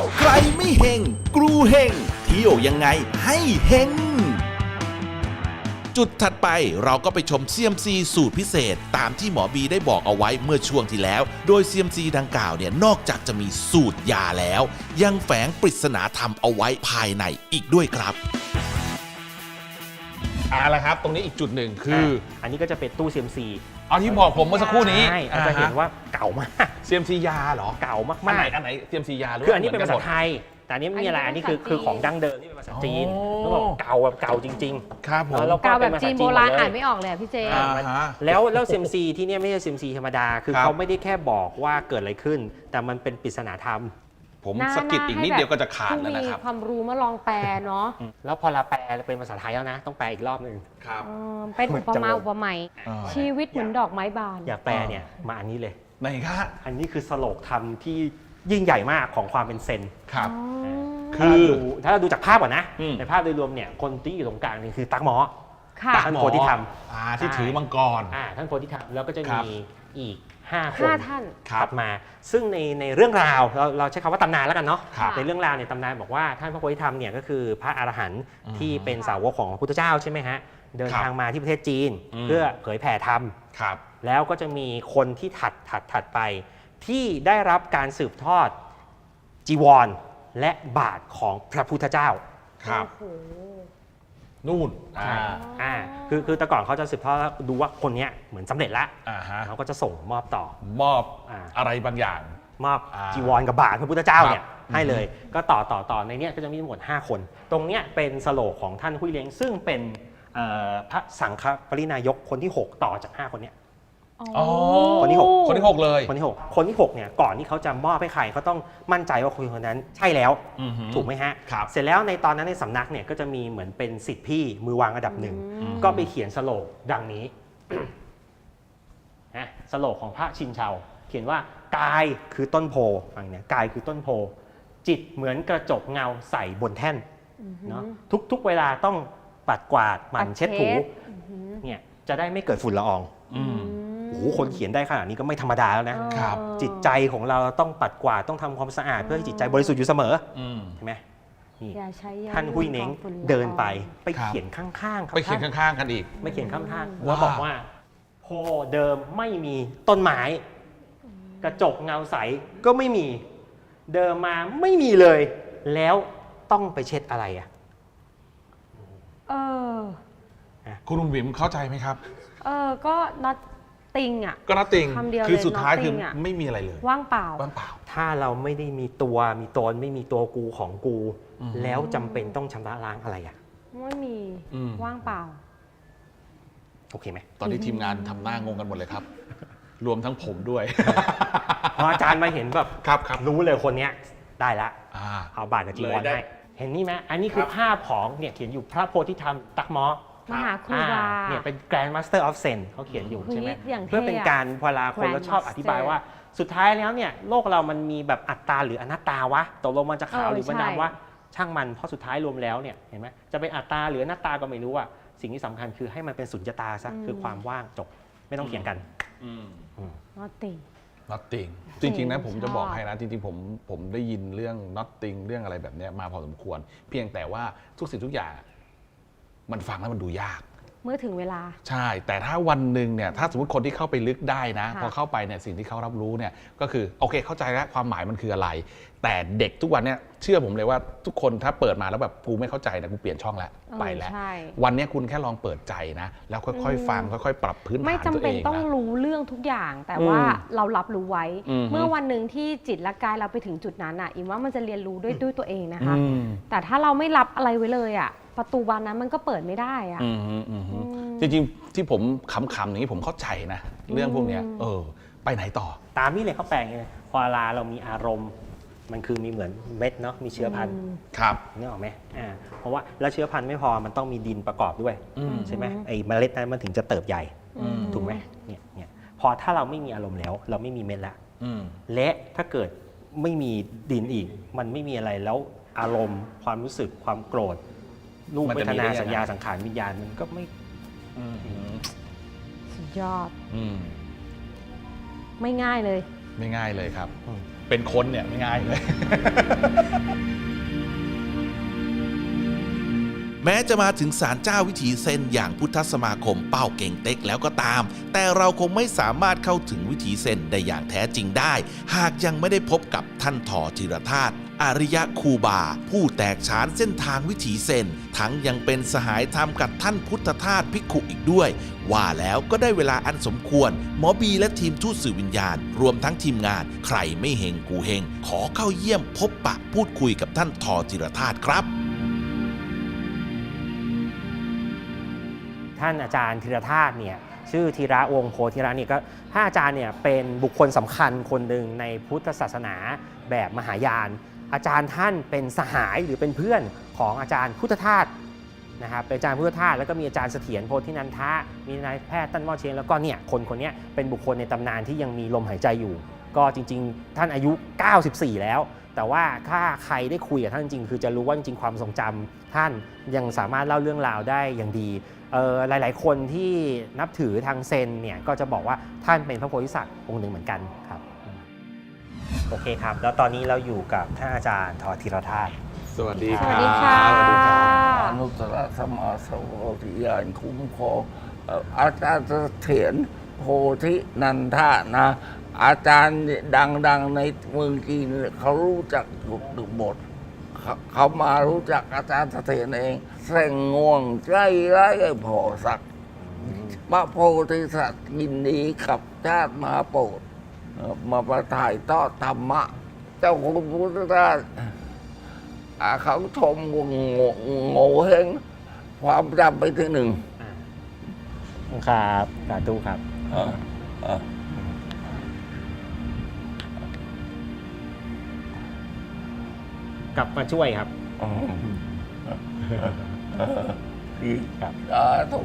ใครไม่เฮงกรูเฮงเที่ยวยังไงให้เฮงจุดถัดไปเราก็ไปชม CMC สูตรพิเศษตามที่หมอบีได้บอกเอาไว้เมื่อช่วงที่แล้ว โดย CMC ดังกล่าวเนี่ยนอกจากจะมีสูตรยาแล้ว ยังแฝงปริศนาธรรมเอาไว้ภายในอีกด้วยครับอะไรครับตรงนี้อีกจุดหนึ่งคืออันนี้ก็จะเป็นตู้ CMC เอาที่บอกผมเมื่อสักครู่นี้ใช่เราจะเห็นว่าเก่ามาก CMC ยาเหรอเก่ามากอันไหน CMC ยาหรือคืออันนี้เป็นภาษาหมืกัหมดไทย แต่อันนี้ไม่มีอะไรอันนี้คือของดั้งเดิมที่เป็นภาษาจีนอ๋อแล้วบอกเก่าแบบเก่าจริงครับผมแล้วกาวแบบเป็ภษจีนโบราณหมดเลยอ่านไม่ออกเลยอะพี่เจอ่าฮะแล้ว CMC ที่เนี่ยไม่ใช่ CMC ธรรมดา คือครับเขาไม่ได้แค่บอกว่าเกิดอะไรขึ้น แต่มันเป็นปริศนาธรรมผมสะกิดอีกนิดเดียวก็จะขาดแล้วนะครับผู้มีความรู้มาลองแปลเนาะแล้วพอเราแปลเป็นภาษาไทยแล้วนะ ต้องแปลอีกรอบหนึ่งครับเป็นอุปมาเหมือนจะอุปไมยอ่าชีวิตเหมือนดอกไม้บานอยากแปลเนี่ยมาอันนี้เลยไหนคะอันนี้คือสโลกธรรมที่ยิ่งใหญ่มากของความเป็นเซนครับคือถ้าเราดูจากภาพก่อนนะอืมในภาพโดยรวมเนี่ยคนที่อยู่ตรงกลางนี่คือตั๊กหมอค่ะท่านโพธิธรรมที่ถือมังกรท่านโพธิธรรมแล้วก็จะครัมีบอีก 5 คน 5 ท่านครับถัดมา ซึ่งในเรื่องราวเราใช้คำว่าตำนานแล้วกันเนาะครับในเรื่องราวเนี่ยตำนานบอกว่าท่านพระโพธิธรรมเนี่ยก็คือพระอรหันต์อืมที่เป็นสาวกของพระพุทธเจ้าใช่ไหมฮะเดินครับทางมาที่ประเทศจีนอืมเพื่อเผยแผ่ธรรมครับแล้วก็จะมีคนที่ถัดไป ที่ได้รับการสืบทอดจีวรและบาทของพระพุทธเจ้าครับโอ้โหนู่นคือแต่ก่อนเขาจะสืบทอดดูว่าคนเนี้ยเหมือนสำเร็จแล้วฮะเขาก็จะส่งมอบต่อมอบอ่าอะไรบางอย่างมอบอ่าจีวรกับบาทพระพุทธเจ้าเนี่ยครับให้เลย ก็ต่อในเนี้ยก็จะมีทั้งหมด 5 คน ตรงเนี้ยเป็นสโลกของท่านหุยเล้งซึ่งเป็นพระสังฆปรินายกคนที่ 6 ต่อจาก 5 คนเนี้ยอ๋อคนที่หกคนที่ 6 เลยคนที่ 6เนี่ยก่อนที่เขาจะมอบให้ใครเขาต้องมั่นใจว่าคนนั้นใช่แล้วอือฮึถูกไหมฮะครับเสร็จแล้วในตอนนั้นในสำนักเนี่ยก็จะมีเหมือนเป็นสิทธิพี่มือวางอันดับหนึ่ง ก็ไปเขียนสโลกดังนี้ นะสโลกของพระชินเชาเขียนว่ากายคือต้นโพฟังเนี่ยกายคือต้นโพ จิตเหมือนกระจกเงาใส่บนแท่นเนาะทุกเวลาต้องปัดกวาดหมั่นเช็ดถูเนี่ยจะได้ไม่เกิดฝุ่นละอองอืมโอ้โหคนเขียนได้ขนาดนี้ก็ไม่ธรรมดาแล้วนะครับจิตใจของเราต้องปัดกวาดต้องทำความสะอาดเพื่อให้จิตใจบริสุทธิ์อยู่เสมออืมใช่ไหมนี่อย่าใช้ยาท่านหุยเน้งฝุ่ละอองเดินไปครับเขียนข้างๆครับไปเขียนท่านข้างๆกันอีกไม่เขียนข้างๆว่าแล้วบอกว่าโพเดิมไม่มีต้นไม้ กระจกเงาใสก็ไม่มี เดิมมาไม่มีเลย แล้วต้องไปเช็ดอะไรอ่ะเออคุณลุงวิมเข้าใจไหมครับก็ not ติงอ่ะก็นัตติงคำเดียวคือเลยสุดท้ายคือ nothing อะไม่มีอะไรเลยว่างเปล่าว่างเปล่าถ้าเราไม่ได้มีตัวมีตนไม่มีตัวกูของกูอืมแล้วจำเป็นต้องชำระล้างอะไรอ่ะไม่มีอืมว่างเปล่าโอเคไหมตอนนี้ทีมงานทำหน้างงกันหมดเลยครับ รวมทั้งผมด้วยพออาจารย์มาเห็นแบบครับครับรู้เลยคนเนี้ยได้ละอ่าเอาบาทกับจีวรเลยได้ให้เห็นนี่ไหมอันนี้คือภาพของเนี่ยเขียนอยู่พระโพธิธรรมตักหมอมหาครูบาเนี่ยเป็น Grand Master of Zen เขาเขียนอยู่ใช่ไหมเฮ้ยอย่างเท่อะเพื่อเป็นการเวลาคนเราชอบ Grand อธิบาย Master ว่าสุดท้ายแล้วเนี่ยโลกเรามันมีแบบอัตตาหรืออนัตตาวะตกลงมันจะขาวหรือมันใช่ดำวะช่างมันเพราะสุดท้ายรวมแล้วเนี่ยเห็นไหมจะเป็นอัตตาหรืออนัตตาก็ไม่รู้อะสิ่งที่สำคัญคือให้มันเป็นสุญญตาซะคือความว่างจบไม่ต้องเถียงกันอืม nothing nothing จริงๆนะผมจะชอบบอกให้นะ จริงๆผมได้ยินเรื่อง nothing เรื่องอะไรแบบเนี้ยมาพอสมควร เพียงแต่ว่าทุกสิ่งทุกอย่าง มันฟังแล้วมันดูยากเมื่อถึงเวลาใช่ แต่ถ้าวันหนึ่งเนี่ยถ้าสมมติคนที่เข้าไปลึกได้นะค่ะพอเข้าไปเนี่ยสิ่งที่เขารับรู้เนี่ยก็คือโอเคเข้าใจแล้วความหมายมันคืออะไร แต่เด็กทุกวันเนี่ยเชื่อผมเลยว่าทุกคนถ้าเปิดมาแล้วแบบกูไม่เข้าใจนะกูเปลี่ยนช่องแล้วไปแล้วใช่วันเนี้ยคุณแค่ลองเปิดใจนะ แล้วค่อยๆฟังค่อยๆ ปรับพื้นฐานไม่จำตัวเป็นเองต้องนะรู้เรื่องทุกอย่าง แต่ว่าเรารับรู้ไว้อืมเมื่อวันหนึ่งที่จิตและกายเราไปถึงจุดนั้นอ่ะอิมว่ามันจะเรียนรู้ด้วยตัวเองนะคะอืมแต่ถ้าเราไม่รับอะไรไว้เลยอ่ะประตูบานนั้นมันก็เปิดไม่ได้อ่ะจริงๆที่ผมขำๆอย่างนี้ผมเข้าใจนะ เรื่องพวกเนี้ยไปไหนต่อตามนี่เลยเขาแปลงไงพอเวลาเรามีอารมณ์ มันคือมีเหมือนเม็ดเนาะมีเชื้อพันธุ์ครับนึกออกไหมเพราะว่าแล้วเชื้อพันธุ์ไม่พอมันต้องมีดินประกอบด้วยอืมใช่ไหมไอ้เมล็ดนั้นมันถึงจะเติบใหญ่อืมถูกไหมเนี่ยพอถ้าเราไม่มีอารมณ์แล้ว เราไม่มีเม็ดละอืมและถ้าเกิดไม่มีดินอีก มันไม่มีอะไรแล้วอารมณ์ ความรู้สึกความโกรธรูปมันเวจะทมีได้นายังไงสัญญาสังขารวิญญาณมันก็ไม่อืมสุดยอดอืมไม่ง่ายเลยไม่ง่ายเลยครับเป็นคนเนี่ยไม่ง่ายเลยแม้จะมาถึงศาลเจ้าวิถีเซนอย่างพุทธสมาคมเป้าเก่งเต็กแล้วก็ตาม แต่เราคงไม่สามารถเข้าถึงวิถีเซนได้อย่างแท้จริงได้ หากยังไม่ได้พบกับท่านถอธีรธาตุอริยครูบา ผู้แตกฉานเส้นทางวิถีเซนทั้งยังเป็นสหายธรรมกับท่านพุทธทาสภิกขุอีกด้วย ว่าแล้วก็ได้เวลาอันสมควรหมอบีและทีมทูตสื่อวิญญาณ รวมทั้งทีมงานใครไม่เฮงกูเฮงขอเข้าเยี่ยมพบปะพูดคุยกับท่านถอธีรธาตุครับท่านอาจารย์ธีรธาตุเนี่ยชื่อธีระวงศ์โพธิระเนี่ยก็ท่านอาจารย์เนี่ยเป็นบุคคลสำคัญคนหนึ่งในพุทธศาสนาแบบมหายาน อาจารย์ท่านเป็นสหายหรือเป็นเพื่อนของอาจารย์พุทธทาสนะครับเป็นอาจารย์พุทธทาสแล้วก็มีอาจารย์เสถียรโพธินันทะมีนายแพทย์ตั้นหม้อเชงแล้วก็เนี่ยคนนี้เป็นบุคคลในตำนานที่ยังมีลมหายใจอยู่ ก็จริงๆท่านอายุ 94 แล้ว แต่ว่าถ้าใครได้คุยกับท่านจริงคือจะรู้ว่าจริงๆความทรงจำท่านยังสามารถเล่าเรื่องราวได้อย่างดีหลายๆคนที่นับถือทางเซนเนี่ยก็จะบอกว่าท่านเป็นพระโพธิสัตว์องค์หนึ่งเหมือนกันครับโอเคครับแล้วตอนนี้เราอยู่กับท่านอาจารย์ถอธีรธาตุสวัสดีสควัรัสบดีค่ะสวัสดีครับอนุตตรสัมมาสัมโพธิญาณคุ้มครองอาจารย์เสถียรโพธินันทะนะ อาจารย์ดังๆในเมืองจีนเขารู้จักอยู่หมดเขามารู้จักอาจารย์เสถียรเองแสงง่วงใจร้ายพอสักพระโพธิสัตว์ยินดีขับชาติมาโปรดมาประถ่ายทอดธรรมะ เจ้าคุณพุทธทาสเขาชมโง่เฮงความจำไปที่หนึ่งครับสาธุครับ กลับมาช่วยครับดีครับถูก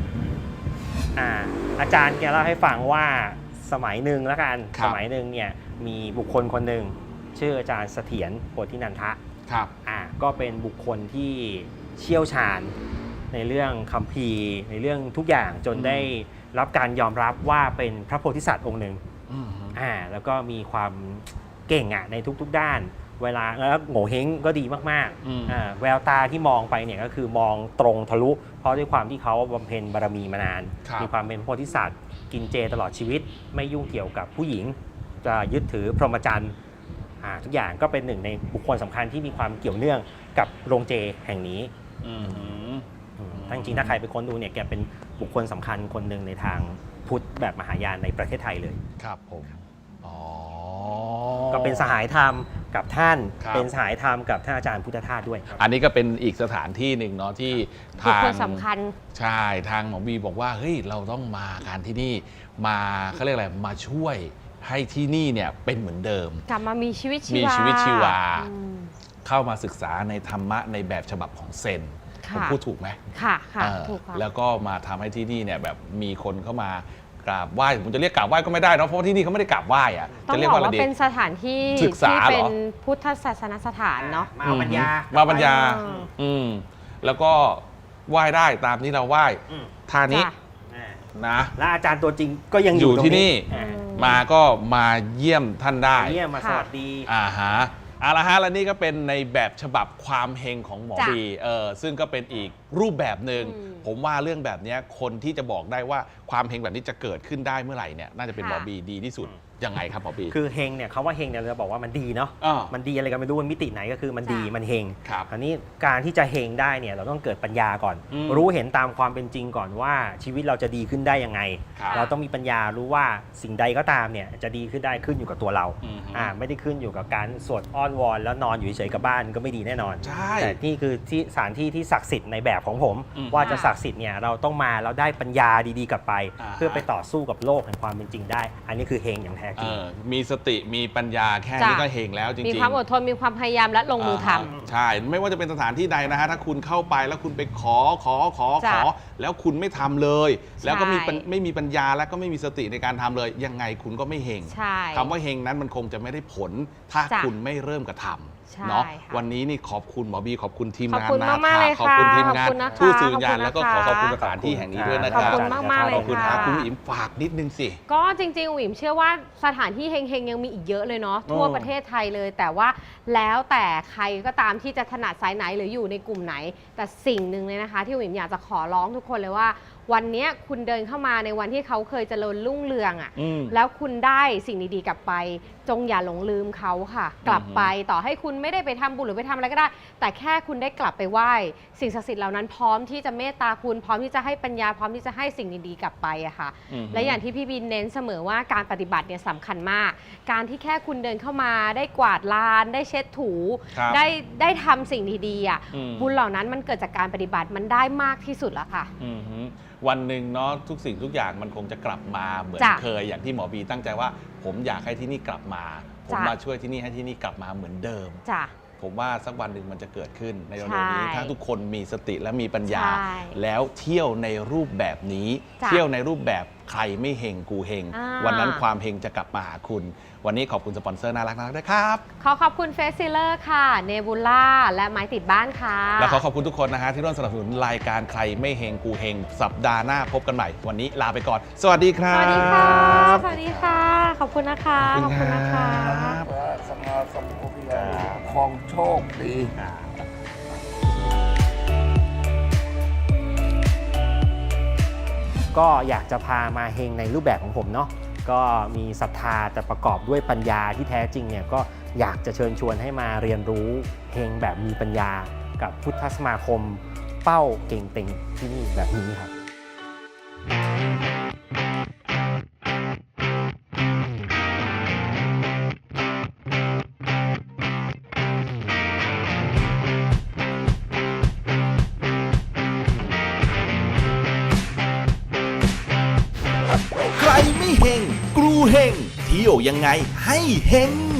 อาจารย์แกเล่าให้ฟังว่าสมัยหนึ่งแล้วกันครับสมัยหนึ่งเนี่ยมีบุคคลคนหนึ่งชื่ออาจารย์เสถียรโพธินันทะครับก็เป็นบุคคลที่เชี่ยวชาญในเรื่องคัมภีร์ในเรื่องทุกอย่างจนได้รับการยอมรับว่าเป็นพระโพธิสัตว์องค์หนึ่งแล้วก็มีความเก่งในทุกๆด้าน เวลาแล้วโง่เฮงก็ดีมากๆแววตาที่มองไปเนี่ยก็คือมองตรงทะลุ เพราะด้วยความที่เขาบำเพ็ญบารมีมานาน มีความเป็นโพธิสัตว์กินเจตลอดชีวิตไม่ยุ่งเกี่ยวกับผู้หญิงจะยึดถือพรหมจรรย์ทุกอย่างก็เป็นหนึ่งในบุคคลสำคัญที่มีความเกี่ยวเนื่องกับโรงเจแห่งนี้ทั้งจริงถ้าใครไปค้นดูเนี่ยแกเป็นบุคคลสำคัญคนหนึ่งในทางพุทธแบบมหายานในประเทศไทยเลยครับผมอ๋อก็เป็นสหายธรรมกับท่านครับเป็นสหายธรรมกับท่านอาจารย์พุทธทาสด้วยอันนี้ก็เป็นอีกสถานที่หนึ่งเนาะที่บุคทางคลสำคัญใช่ทางหมอบีบอกว่าเฮ้ยเราต้องมาการที่นี่มาเขาเรียกอะไรมาช่วยให้ที่นี่เนี่ยเป็นเหมือนเดิมกลับมามีชีวิตชีวามีชีวิตชีวาอืมเข้ามาศึกษาในธรรมะในแบบฉบับของเซนค่ะผมพูดถูกไหมค่ะค่ะเออถูกค่ะแล้วก็มาทำให้ที่นี่เนี่ยแบบมีคนเข้ามากราบไหว้ผมจะเรียกกราบไหว้ก็ไม่ได้เนอะเพราะว่าที่นี่เขาไม่ได้กราบไหว้อะต้องจะเรียบกอกว่าอะไรว่าดีเป็นสถานที่ศึกษาที่เหรอเป็นพุทธศาสนสถานเนาะมาเอาปัญญามาปัญญาอืมอืมแล้วก็ไหว้ได้ตามที่เราไหว้ท่านี้จ้ะนะและอาจารย์ตัวจริงก็ยังออยู่ยู่ตรงที่นี่อ่ามาก็มาเยี่ยมท่านได้เยี่ยมมาสวัสดีฮะเอาละฮะและนี่ก็เป็นในแบบฉบับความเฮงของหมอจ้ะบีซึ่งก็เป็นอีกรูปแบบหนึ่งอืมผมว่าเรื่องแบบเนี้ยคนที่จะบอกได้ว่าความเฮงแบบนี้จะเกิดขึ้นได้เมื่อไหร่เนี่ยน่าจะเป็นหมอบีดีที่สุดยังไงครับหมอบีคือเฮงเนี่ยเขาว่าเฮงเนี่ยเราจะบอกว่ามันดีเนาะ มันดีอะไรกันไม่รู้มันมิติไหนก็คือมันดีจ้ะมันเฮงครับคราวนี้การที่จะเฮงได้เนี่ยเราต้องเกิดปัญญาก่อนอืมรู้เห็นตามความเป็นจริงก่อนว่าชีวิตเราจะดีขึ้นได้ยังไงครับเราต้องมีปัญญารู้ว่าสิ่งใดก็ตามเนี่ยจะดีขึ้นได้ขึ้นอยู่กับตัวเราอืมไม่ได้ขึ้นอยู่กับการสวดอ้อนวอนแล้วนอนอยู่เฉยๆกับบ้านก็ไม่ดีแน่นอนใช่แต่นี่คือที่สถานที่ที่ศักดิ์สิทธิ์ในแบบของผมอืมว่าจะศักดิ์สิทธิ์เนี่ยเราต้องมาแล้วได้ปัญญาดีๆกลับไปอ่าเพื่อไปต่อสู้กับโลกแห่งความเป็นจริงได้ อันนี้คือเฮงอย่างแท้จริงมีสติมีปัญญาแค่นี้จ้ะก็เฮงแล้วจริงๆมีความอดทนมีความพยายามและลงมือทำใช่ ไม่ว่าจะเป็นสถานที่ใดนะฮะถ้าคุณเข้าไปแล้วคุณไปขอจ้ะแล้วคุณไม่ทำเลย แล้วก็ใช่ไม่มีปัญญาแล้วก็ไม่มีสติในการทำเลย ยังไงคุณก็ไม่เฮงใช่คำว่าเฮงนั้นมันคงจะไม่ได้ผลถ้าจ้ะคุณไม่เริ่มกระทำใช่เนาะค่ะวันนี้นี่ขอบคุณหมอบีขอบคุณทีมขอบงานคุณนะมากๆเลยขอบคุณค่ะทีมงานขอบคุณนะคะผู้สื่อวิญญาณขอบคุณนะคะแล้วก็ขอขอบคุณสถานที่แห่งนี้ด้วยนะคขรัอบบ คุณมากๆเลยขอบคุณค่ะคุณอิ๋มฝากนิดนึงสิก็จริงๆอุ๋มเชื่อว่าสถานที่เฮงๆยังมีอีกเยอะเลยเนาะทั่วประเทศไทยเลย แต่ว่าแล้วแต่ใครก็ตามที่จะถนัดสายไหนหรืออยู่ในกลุ่มไหน แต่สิ่งหนึ่งเลยนะคะ ที่อุ๋มอยากจะขอร้องทุกคนเลยว่า วันนี้คุณเดินเข้ามาในวันที่เขาเคยเจริญรุ่งเรืองอะ่ะอืมแล้วคุณได้สิ่งดีๆกลับไป จงอย่าหลงลืมเขาค่ะ กลับไปต่อให้คุณไม่ได้ไปทำบุญหรือไปทำอะไรก็ได้ แต่แค่คุณได้กลับไปไหว้สิ่งศักดิ์สิทธิ์เหล่านั้นพร้อมที่จะเมตตาคุณพร้อมที่จะให้ปัญญาพร้อมที่จะให้สิ่งดีๆกลับไปอะค่ะ และอย่างที่พี่บินเน้นเสมอว่าการปฏิบัติเนี่ยสำคัญมาก การที่แค่คุณเดินเข้ามาได้กวาดลานได้เช็ดถูครับได้ทำสิ่งดีๆอ่ะอืมบุญเหล่านั้นมันเกิดจากการปฏิบัติมันได้มากที่สุดแล้วค่ะอือฮึวันหนึ่งเนาะทุกสิ่งทุกอย่างมันคงจะกลับมาเหมือนจ้ะเคยอย่างที่หมอบีตั้งใจว่า ผมอยากให้ที่นี่กลับมา ผมจ้ะมาช่วยที่นี่ให้ที่นี่กลับมาเหมือนเดิมจ้ะผมว่าสักวันหนึ่งมันจะเกิดขึ้นในเร็วใช่ๆนี้ถ้าทุกคนมีสติและมีปัญญาใช่แล้วเที่ยวในรูปแบบนี้จ้ะเที่ยวในรูปแบบใครไม่เฮงกูเฮงอ่าวันนั้นความเฮงจะกลับมาหาคุณ วันนี้ขอบคุณสปอนเซอร์น่ารักๆด้วยครับขอขอบคุณเฟสซิเลอร์ค่ะเนบูล่าและไม้ติดบ้านค่ะและขอขอบคุณทุกคนนะฮะที่ร่วมสนับสนุนรายการใครไม่เฮงกูเฮงสัปดาห์หน้าพบกันใหม่ วันนี้ลาไปก่อน สวัสดีครัสบวัสดีค่ะ สวัสดีค่ะ ขอบคุณนะคะขอบคุณนะคะพระสัมมาสัมพุทธเจ้าของโชคดีก็อยากจะพามาเฮงในรูปแบบของผมเนาะก็มีศรัทธาแต่ประกอบด้วยปัญญาที่แท้จริงเนี่ยก็อยากจะเชิญชวนให้มาเรียนรู้เฮงแบบมีปัญญากับพุทธสมาคมเป้าเก่งเต็งที่นี่แบบนี้ครับใครไม่เฮงกรูเฮงเที่ยวยังไงให้เฮง